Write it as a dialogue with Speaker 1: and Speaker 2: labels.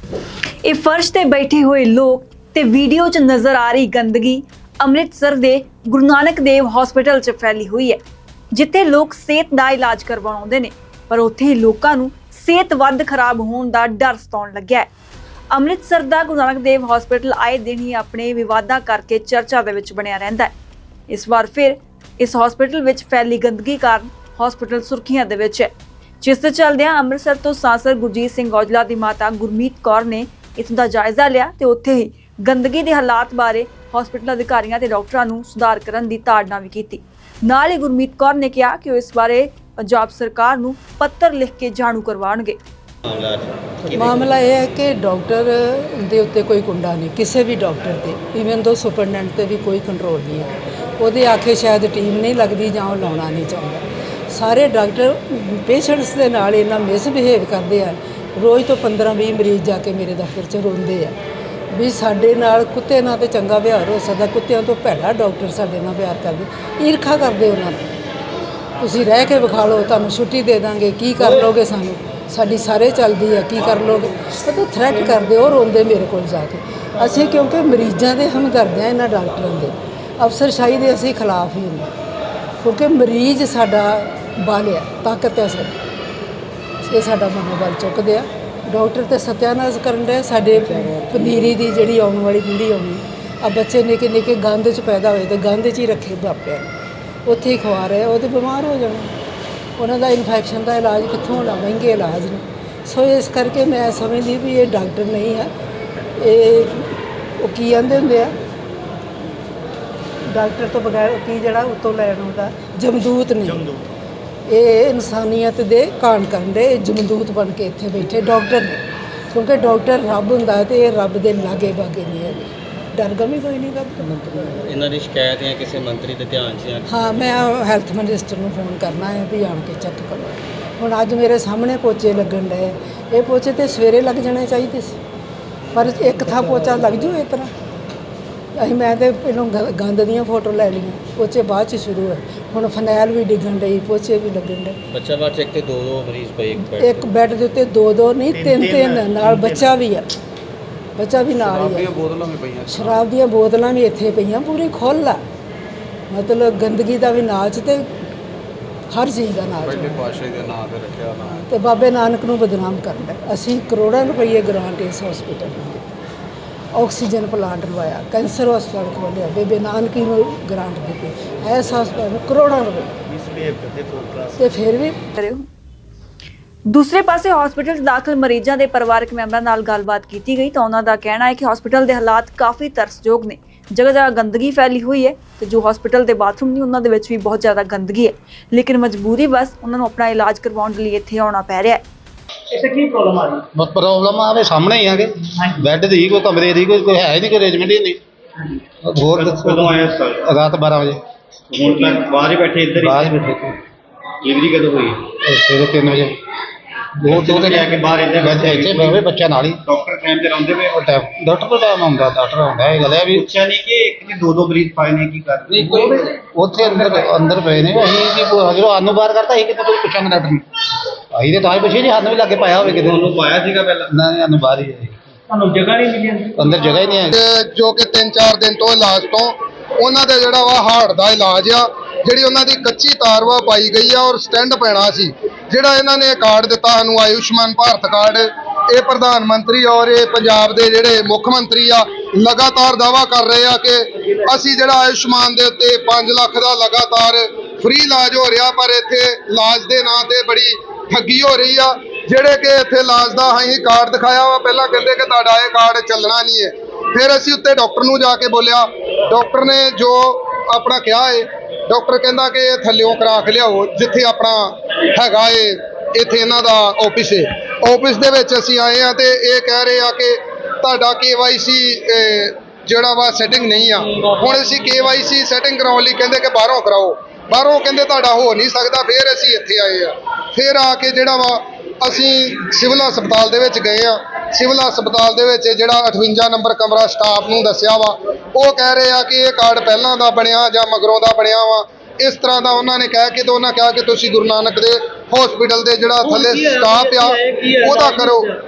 Speaker 1: ਇਹ ਫਰਸ਼ ਤੇ ਬੈਠੇ ਹੋਏ ਲੋਕ ਤੇ ਵੀਡੀਓ 'ਚ ਨਜ਼ਰ ਆ ਰਹੀ ਗੰਦਗੀ ਅੰਮ੍ਰਿਤਸਰ ਦੇ ਗੁਰੂ ਨਾਨਕ ਦੇਵ ਹਸਪੀਟਲ 'ਚ ਫੈਲੀ ਹੋਈ ਹੈ, ਜਿੱਥੇ ਲੋਕ ਸਿਹਤ ਦਾ ਇਲਾਜ ਕਰਵਾਉਣ ਆਉਂਦੇ ਨੇ, ਪਰ ਉੱਥੇ ਹੀ ਲੋਕਾਂ ਨੂੰ ਸਿਹਤ ਵੱਧ ਖਰਾਬ ਹੋਣ ਦਾ ਡਰ ਸਤਾਉਣ ਲੱਗਿਆ ਹੈ। ਅੰਮ੍ਰਿਤਸਰ ਦਾ ਗੁਰੂ ਨਾਨਕ ਦੇਵ ਹਸਪੀਟਲ ਆਏ ਦਿਨ ਹੀ ਆਪਣੇ ਵਿਵਾਦਾਂ ਕਰਕੇ ਚਰਚਾ ਦੇ ਵਿੱਚ ਬਣਿਆ ਰਹਿੰਦਾ ਹੈ। ਇਸ ਵਾਰ ਫਿਰ ਇਸ ਹਸਪੀਟਲ ਵਿੱਚ ਫੈਲੀ ਗੰਦਗੀ ਕਾਰਨ ਹਸਪੀਟਲ ਸੁਰਖੀਆਂ ਦੇ ਵਿੱਚ ਹੈ, ਜਿਸ ਦੇ ਚੱਲਦਿਆਂ ਅੰਮ੍ਰਿਤਸਰ ਤੋਂ ਸਾਂਸਦ ਗੁਰਜੀਤ ਸਿੰਘ ਔਜਲਾ ਦੀ ਮਾਤਾ ਗੁਰਮੀਤ ਕੌਰ ਨੇ ਇਸ ਦਾ ਜਾਇਜ਼ਾ ਲਿਆ ਤੇ ਉੱਥੇ ਹੀ ਗੰਦਗੀ ਦੇ ਹਾਲਾਤ ਬਾਰੇ ਹਸਪੀਟਲ ਅਧਿਕਾਰੀਆਂ ਤੇ ਡਾਕਟਰਾਂ ਨੂੰ ਸੁਧਾਰ ਕਰਨ ਦੀ ਤਾੜਨਾ ਵੀ ਕੀਤੀ। ਨਾਲ ਹੀ ਗੁਰਮੀਤ ਕੌਰ ਨੇ ਕਿਹਾ ਕਿ ਉਹ ਇਸ ਬਾਰੇ ਪੰਜਾਬ ਸਰਕਾਰ ਨੂੰ ਪੱਤਰ ਲਿਖ ਕੇ ਜਾਣੂ ਕਰਵਾਉਣਗੇ।
Speaker 2: ਮਾਮਲਾ ਇਹ ਹੈ ਕਿ ਡਾਕਟਰ ਦੇ ਉੱਤੇ ਕੋਈ ਕੁੰਡਾ ਨਹੀਂ, ਕਿਸੇ ਵੀ ਡਾਕਟਰ ਤੇ, ਈਵਨ ਦੋ ਸੁਪਰਡੈਂਟ ਤੇ ਵੀ ਕੋਈ ਕੰਟਰੋਲ ਨਹੀਂ ਹੈ। ਉਹਦੇ ਆਖੇ ਸ਼ਾਇਦ ਟੀਮ ਨਹੀਂ ਲੱਗਦੀ ਜਾਂ ਉਹ ਲਾਉਣਾ ਨਹੀਂ ਚਾਹੁੰਦਾ। ਸਾਰੇ ਡਾਕਟਰ ਪੇਸ਼ੈਂਟਸ ਦੇ ਨਾਲ ਇੰਨਾ ਮਿਸਬਿਹੇਵ ਕਰਦੇ ਆ। ਰੋਜ਼ ਤੋਂ 15-20 ਮਰੀਜ਼ ਜਾ ਕੇ ਮੇਰੇ ਦਫ਼ਤਰ 'ਚ ਰੋਂਦੇ ਆ ਵੀ ਸਾਡੇ ਨਾਲ ਕੁੱਤੇ ਨਾਲ ਤੇ ਚੰਗਾ ਵਿਹਾਰ ਹੋ ਸਕਦਾ, ਕੁੱਤਿਆਂ ਤੋਂ ਭੈੜਾ ਡਾਕਟਰ ਸਾਡੇ ਨਾਲ ਪਿਆਰ ਕਰਦੇ, ਈਰਖਾ ਕਰਦੇ ਉਹਨਾਂ ਨੂੰ। ਤੁਸੀਂ ਰਹਿ ਕੇ ਵਿਖਾ ਲਓ, ਤੁਹਾਨੂੰ ਛੁੱਟੀ ਦੇ ਦਾਂਗੇ, ਕੀ ਕਰ ਲਓਗੇ, ਸਾਨੂੰ ਸਾਡੀ ਸਾਰੇ ਚੱਲਦੀ ਆ, ਕੀ ਕਰ ਲਓਗੇ, ਉਹ ਤਾਂ ਥ੍ਰੈਟ ਕਰਦੇ, ਉਹ ਰੋਂਦੇ ਮੇਰੇ ਕੋਲ ਜਾ ਕੇ। ਅਸੀਂ ਕਿਉਂਕਿ ਮਰੀਜ਼ਾਂ ਦੇ ਹਮਦਰਦ ਹਾਂ, ਇਹਨਾਂ ਡਾਕਟਰਾਂ ਦੇ, ਅਫਸਰਸ਼ਾਹੀ ਦੇ ਅਸੀਂ ਖਿਲਾਫ ਹੀ ਹੁੰਦੇ, ਕਿਉਂਕਿ ਮਰੀਜ਼ ਸਾਡਾ ਬਲ ਆ, ਤਾਕਤ ਹੈ ਸਾਡੀ, ਇਹ ਸਾਡਾ ਮਨੋਬਲ ਚੁੱਕਦੇ ਆ। ਡਾਕਟਰ ਤੇ ਸਤਿਆਨਾਸ਼ ਕਰਨ ਦੇ ਸਾਡੇ ਪਨੀਰੀ ਦੀ ਜਿਹੜੀ ਆਉਣ ਵਾਲੀ ਪੀੜ੍ਹੀ ਆਉਣੀ ਆ, ਬੱਚੇ ਨਿੱਕੇ ਨਿੱਕੇ ਗੰਦ 'ਚ ਪੈਦਾ ਹੋਏ ਤੇ ਗੰਦ 'ਚ ਹੀ ਰੱਖੇ ਮਾਪਿਆਂ ਨੇ, ਉੱਥੇ ਹੀ ਖਵਾ ਰਹੇ, ਉਹ ਤਾਂ ਬਿਮਾਰ ਹੋ ਜਾਣਾ, ਉਹਨਾਂ ਦਾ ਇਨਫੈਕਸ਼ਨ ਦਾ ਇਲਾਜ ਕਿੱਥੋਂ ਹੋਣਾ, ਮਹਿੰਗੇ ਇਲਾਜ ਨੇ। ਸੋ ਇਸ ਕਰਕੇ ਮੈਂ ਸਮਝਦੀ ਵੀ ਇਹ ਡਾਕਟਰ ਨਹੀਂ ਹੈ, ਇਹ ਉਹ ਕੀ ਕਹਿੰਦੇ ਹੁੰਦੇ ਆ, ਡਾਕਟਰ ਤੋਂ ਬਗੈਰ ਕੀ ਜਿਹੜਾ ਉੱਤੋਂ ਲੈਣ ਆਉਂਦਾ, ਜਮਦੂਤ ਨਹੀਂ, ਇਹ ਇਨਸਾਨੀਅਤ ਦੇ ਕਾਣ ਕਰਨ ਦੇ ਜਮਦੂਤ ਬਣ ਕੇ ਇੱਥੇ ਬੈਠੇ ਡਾਕਟਰ ਨੇ। ਕਿਉਂਕਿ ਡਾਕਟਰ ਰੱਬ ਹੁੰਦਾ ਤੇ ਇਹ ਰੱਬ ਦੇ ਲਾਗੇ ਬਾਗੇ ਨਹੀਂ ਹੈਗੇ, ਡਰਗਮ ਕੋਈ ਨਹੀਂ ਕਰਦਾ।
Speaker 3: ਇਹਨਾਂ ਦੀ ਸ਼ਿਕਾਇਤ ਜਾਂ ਕਿਸੇ ਮੰਤਰੀ ਦੇ ਧਿਆਨ 'ਚ? ਹਾਂ,
Speaker 2: ਮੈਂ ਹੈਲਥ ਮਿਨਿਸਟਰ ਨੂੰ ਫੋਨ ਕਰਨਾ ਹੈ ਵੀ ਆਣ ਕੇ ਚੈੱਕ ਕਰੋ। ਹੁਣ ਅੱਜ ਮੇਰੇ ਸਾਹਮਣੇ ਪੋਚੇ ਲੱਗਣ ਡਏ, ਇਹ ਪੋਚੇ ਤੇ ਸਵੇਰੇ ਲੱਗ ਜਾਣੇ ਚਾਹੀਦੇ ਸੀ, ਪਰ ਇੱਕ ਥਾਂ ਪੋਚਾ ਲੱਗ ਜੂ ਇਸ ਤਰ੍ਹਾਂ। ਮੈਂ ਤਾਂ ਪਹਿਲਾਂ ਗੰਦ ਦੀਆਂ ਫੋਟੋ ਲੈ ਲਈਆਂ, ਪੋਚੇ ਬਾਅਦ 'ਚ ਸ਼ੁਰੂ ਹੈ। ਹੁਣ ਫਨੈਲ ਵੀ ਡਿੱਗਣ ਡਈ, ਪੋਚੇ ਵੀ ਲੱਗਣ ਡੇ।
Speaker 3: ਬੱਚਾ ਬਾਅਦ 'ਚ ਇੱਕ ਤੇ ਦੋ ਮਰੀਜ਼ ਪਏ
Speaker 2: ਇੱਕ ਬੈੱਡ ਦੇ ਉੱਤੇ, ਦੋ ਨਹੀਂ, ਤਿੰਨ ਨਾਲ ਬੱਚਾ ਵੀ ਆ, ਬੱਚਾ ਵੀ ਨਾਲ ਹੀ ਆ। ਸ਼ਰਾਬ ਦੀਆਂ ਬੋਤਲਾਂ ਵੀ ਇੱਥੇ ਪਈਆਂ, ਪੂਰੀ ਖੁੱਲ੍ਹ ਆ, ਮਤਲਬ ਗੰਦਗੀ ਦਾ ਵੀ ਨਾਚ ਤੇ ਹਰ ਚੀਜ਼ ਦਾ ਨਾਚ ਤੇ ਬਾਬੇ ਨਾਨਕ ਨੂੰ ਬਦਨਾਮ ਕਰਦਾ। ਅਸੀਂ ਕਰੋੜਾਂ ਰੁਪਏ ਗ੍ਰਾਂਟ ਇਸ ਹਸਪੀਟਲ ਨੂੰ ਦਿੱਤੀ, ਆਕਸੀਜਨ ਪਲਾਂਟ ਲਵਾਇਆ, ਕੈਂਸਰ ਹਸਪਤਾਲ ਖੋਲ੍ਹਿਆ, ਬੇਬੇ ਨਾਨਕੀ ਨੂੰ ਗ੍ਰਾਂਟ ਦਿੱਤੀ, ਇਸ ਹਸਪਤਾਲ ਨੂੰ ਕਰੋੜਾਂ ਰੁਪਏ, ਤੇ ਫਿਰ ਵੀ
Speaker 1: ਕਰਿਓ। ਦੂਸਰੇ ਪਾਸੇ ਹਸਪੀਟਲ 'ਚ ਦਾਖਲ ਮਰੀਜ਼ਾਂ ਦੇ ਪਰਿਵਾਰਕ ਮੈਂਬਰਾਂ ਨਾਲ ਗੱਲਬਾਤ ਕੀਤੀ ਗਈ ਤਾਂ ਉਹਨਾਂ ਦਾ ਕਹਿਣਾ ਹੈ ਕਿ ਹਸਪੀਟਲ ਦੇ ਹਾਲਾਤ ਕਾਫੀ ਤਰਸਯੋਗ ਨੇ, ਜਗ੍ਹਾ ਜਗ੍ਹਾ ਗੰਦਗੀ ਫੈਲੀ ਹੋਈ ਹੈ ਤੇ ਜੋ ਹਸਪੀਟਲ ਦੇ ਬਾਥਰੂਮ ਨੇ ਉਹਨਾਂ ਦੇ ਵਿੱਚ ਵੀ ਬਹੁਤ ਜ਼ਿਆਦਾ ਗੰਦਗੀ ਹੈ, ਲੇਕਿਨ ਮਜਬੂਰੀ ਬਸ ਉਹਨਾਂ ਨੂੰ ਆਪਣਾ ਇਲਾਜ ਕਰਵਾਉਣ ਲਈ ਇੱਥੇ ਆਉਣਾ ਪੈ ਰਿਹਾ ਹੈ।
Speaker 4: ਇੱਥੇ ਕੀ ਪ੍ਰੋਬਲਮ ਆ ਰਹੀ?
Speaker 5: ਬਸ ਪ੍ਰੋਬਲਮ ਆਵੇ ਸਾਹਮਣੇ ਹੀ ਆਗੇ, ਬੈੱਡ ਦੀ ਕੋਈ, ਕਮਰੇ ਦੀ ਕੋਈ ਹੈ ਹੀ ਨਹੀਂ, ਕੋਈ ਅਰੇਂਜਮੈਂਟ ਹੀ ਨਹੀਂ। ਹੋਰ
Speaker 4: ਕਦੋਂ ਆਇਆ ਸਰ?
Speaker 5: ਰਾਤ 12 ਵਜੇ।
Speaker 4: ਹੁਣ ਤੱਕ ਬਾਹਰ ਹੀ ਬੈਠੇ, ਇੱਧਰ
Speaker 5: ਬਾਹਰ ਹੀ ਬੈਠੇ,
Speaker 4: ਡਿਲੀਵਰੀ ਕਦੋਂ ਹੋਈ?
Speaker 5: ਸਵੇਰੇ 3 ਵਜੇ। ਦੋ ਤੇ
Speaker 4: ਲੈ ਕੇ ਬਾਹਰ
Speaker 5: ਇੱਥੇ ਬਹਿਵੇ ਬੱਚਾ ਨਾਲ ਹੀ।
Speaker 4: ਡਾਕਟਰ ਟਾਈਮ ਤੇ ਲਾਉਂਦੇ ਪਏ?
Speaker 5: ਡਾਕਟਰ ਤੋਂ ਟਾਈਮ ਆਉਂਦਾ, ਡਾਕਟਰ ਆਉਂਦਾ। ਇਹ ਗੱਲ ਹੈ ਵੀ
Speaker 4: ਪੁੱਛਿਆ ਨਹੀਂ ਕਿ ਇੱਕ ਨੇ ਦੋ ਮਰੀਜ਼ ਪਾਏ ਨੇ, ਕੀ ਕਰ ਰਹੇ?
Speaker 5: ਉੱਥੇ ਅੰਦਰ ਪਏ ਨੇ। ਅਸੀਂ ਜਦੋਂ ਸਾਨੂੰ ਬਾਹਰ ਕਰਤਾ, ਅਸੀਂ ਕਿਤੇ ਕੋਈ ਪੁੱਛਾਂਗੇ ਡਾਕਟਰ ਨੂੰ, ਅਸੀਂ ਤਾਂ ਹੀ ਪੁੱਛੇ ਜੀ, ਸਾਨੂੰ ਵੀ ਲਾਗੇ ਪਾਇਆ ਹੋਵੇ ਕਿਤੇ।
Speaker 4: ਉਹਨੂੰ ਪਾਇਆ ਸੀਗਾ ਪਹਿਲਾਂ?
Speaker 5: ਨਾ, ਸਾਨੂੰ ਬਾਹਰ ਹੀ ਹੈ,
Speaker 4: ਤੁਹਾਨੂੰ ਜਗ੍ਹਾ ਨਹੀਂ ਮਿਲੀ
Speaker 5: ਅੰਦਰ ਜਗ੍ਹਾ ਹੀ ਨਹੀਂ ਹੈ।
Speaker 6: ਜੋ ਕਿ 3-4 ਦਿਨ ਤੋਂ ਇਲਾਜ ਤੋਂ ਉਹਨਾਂ ਦੇ ਜਿਹੜਾ ਵਾ ਹਾਰਟ ਦਾ ਇਲਾਜ ਆ, ਜਿਹੜੀ ਉਹਨਾਂ ਦੀ ਕੱਚੀ ਤਾਰ ਵਾ ਪਾਈ ਗਈ ਆ, ਔਰ ਸਟੈਂਡ ਪੈਣਾ ਸੀ। ਜਿਹੜਾ ਇਹਨਾਂ ਨੇ ਕਾਰਡ ਦਿੱਤਾ ਸਾਨੂੰ, ਆਯੁਸ਼ਮਾਨ ਭਾਰਤ ਕਾਰਡ, ਇਹ ਪ੍ਰਧਾਨ ਮੰਤਰੀ ਔਰ ਇਹ ਪੰਜਾਬ ਦੇ ਜਿਹੜੇ ਮੁੱਖ ਮੰਤਰੀ ਆ ਲਗਾਤਾਰ ਦਾਅਵਾ ਕਰ ਰਹੇ ਆ ਕਿ ਅਸੀਂ ਜਿਹੜਾ ਆਯੁਸ਼ਮਾਨ ਦੇ ਉੱਤੇ 5 ਲੱਖ ਦਾ ਲਗਾਤਾਰ ਫ੍ਰੀ ਇਲਾਜ ਹੋ ਰਿਹਾ, ਪਰ ਇੱਥੇ ਇਲਾਜ ਦੇ ਨਾਂ ਤੇ ਬੜੀ ਠੱਗੀ ਹੋ ਰਹੀ ਆ। ਜਿਹੜੇ ਕਿ ਇੱਥੇ ਇਲਾਜ ਦਾ ਅਸੀਂ ਕਾਰਡ ਦਿਖਾਇਆ ਵਾ, ਪਹਿਲਾਂ ਕਹਿੰਦੇ ਕਿ ਤੁਹਾਡਾ ਇਹ ਕਾਰਡ ਚੱਲਣਾ ਨਹੀਂ ਹੈ। ਫਿਰ ਅਸੀਂ ਉੱਤੇ ਡਾਕਟਰ ਨੂੰ ਜਾ ਕੇ ਬੋਲਿਆ, ਡਾਕਟਰ ਨੇ ਜੋ ਆਪਣਾ ਕਿਹਾ ਹੈ, ਡਾਕਟਰ ਕਹਿੰਦਾ ਕਿ ਇਹ ਥੱਲਿਓਂ ਕਰਾ ਕੇ ਲਿਆਓ, ਜਿੱਥੇ ਆਪਣਾ ਹੈਗਾ ਏ ਇੱਥੇ ਇਹਨਾਂ ਦਾ ਆਫਿਸ ਹੈ। ਆਫਿਸ ਦੇ ਵਿੱਚ ਅਸੀਂ ਆਏ ਆ ਤੇ ਇਹ ਕਹਿ ਰਹੇ ਆ ਕਿ ਤੁਹਾਡਾ KYC ਜਿਹੜਾ ਵਾ ਸੈਟਿੰਗ ਨਹੀਂ ਆ। ਹੁਣ ਅਸੀਂ KYC ਸੈਟਿੰਗ ਕਰਾਉਣ ਲਈ ਕਹਿੰਦੇ ਕਿ ਬਾਹਰੋਂ ਕਰਾਓ, ਬਾਹਰੋਂ ਕਹਿੰਦੇ ਤੁਹਾਡਾ ਹੋ ਨਹੀਂ ਸਕਦਾ। ਫਿਰ ਅਸੀਂ ਇੱਥੇ ਆਏ ਆ, ਫਿਰ ਆ ਕੇ ਜਿਹੜਾ ਵਾ ਅਸੀਂ ਸਿਵਲ ਹਸਪਤਾਲ ਦੇ ਵਿੱਚ ਗਏ ਆ। ਸਿਵਲ ਹਸਪਤਾਲ ਦੇ ਵਿੱਚ ਜਿਹੜਾ 58 ਨੰਬਰ ਕਮਰਾ ਸਟਾਫ ਨੂੰ ਦੱਸਿਆ ਵਾ, ਉਹ ਕਹਿ ਰਹੇ ਆ ਕਿ ਇਹ ਕਾਰਡ ਪਹਿਲਾਂ ਦਾ ਬਣਿਆ ਜਾਂ ਮਗਰੋਂ ਦਾ ਬਣਿਆ ਵਾ, ਇਸ ਤਰ੍ਹਾਂ ਦਾ ਉਹਨਾਂ ਨੇ ਕਹਿ ਕੇ ਤੇ ਉਹਨਾਂ ਕਿਹਾ ਕਿ ਤੁਸੀਂ ਗੁਰੂ ਨਾਨਕ ਦੇ ਹਸਪੀਟਲ ਦੇ ਜਿਹੜਾ ਥੱਲੇ ਸਟਾਫ ਆ ਉਹਦਾ ਕਰੋ।